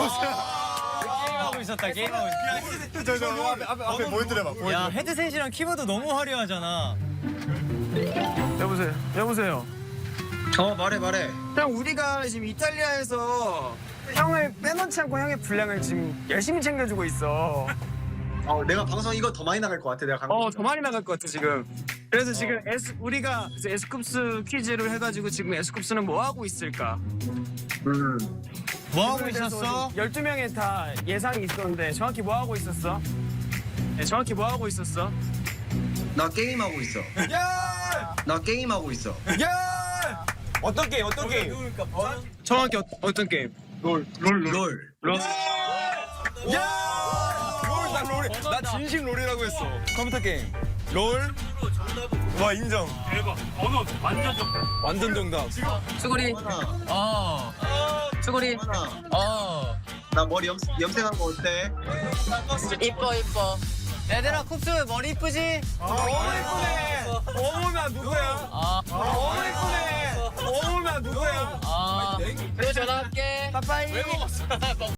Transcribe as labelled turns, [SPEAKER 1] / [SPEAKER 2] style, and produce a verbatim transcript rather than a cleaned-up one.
[SPEAKER 1] 게임하고 있었다. 게임하고 있었다.
[SPEAKER 2] 저저 앞에 앞에 앞에 보여드려봐.
[SPEAKER 1] 야 헤드셋이랑 키보드 너무 화려하잖아.
[SPEAKER 3] 여보세요. 여보세요.
[SPEAKER 1] 어 말해 말해.
[SPEAKER 3] 형 우리가 지금 이탈리아에서 형을 빼놓지 않고 형의 분량을 지금 열심히 챙겨주고 있어.
[SPEAKER 2] 어 내가 방송 이거 더 많이 나갈 것 같아. 내가
[SPEAKER 3] 어, 더 많이 나갈 것 같아 지금. 그래서 지금 에스 우리가 이제 에스쿱스 퀴즈를 해가지고 지금 에스쿱스는 뭐 하고 있을까?
[SPEAKER 2] 음.
[SPEAKER 1] 뭐 하고 있었어?
[SPEAKER 3] 열두 명에 다 예상이 있었는데 정확히 뭐 하고 있었어? 네, 정확히 뭐 하고 있었어?
[SPEAKER 4] 나 게임하고 있어. 나 게임하고 있어.
[SPEAKER 3] 어떤 게임? 어떤 게임? 정확히 어, 어떤 게임?
[SPEAKER 4] 롤.
[SPEAKER 3] 롤.
[SPEAKER 2] 나 롤. 나 진심 롤이라고 했어. 컴퓨터 게임. 롤. 와 인정.
[SPEAKER 5] 대박. 번호 완전 정답.
[SPEAKER 2] 완전 정답.
[SPEAKER 1] 수고리. 어. 수고리.
[SPEAKER 4] 하나.
[SPEAKER 1] 어.
[SPEAKER 4] 나 머리 염, 염색한 거 어때?
[SPEAKER 1] 이뻐 이뻐. 얘들아 쿱스 머리 이쁘지?
[SPEAKER 3] 어머 이쁘네. 어머 나 누구야?
[SPEAKER 1] 아.
[SPEAKER 3] 어머 이쁘네. 어머 나 누구야?
[SPEAKER 1] 아. 그리고 전화할게.
[SPEAKER 3] 빠빠이.
[SPEAKER 1] 왜 먹었어?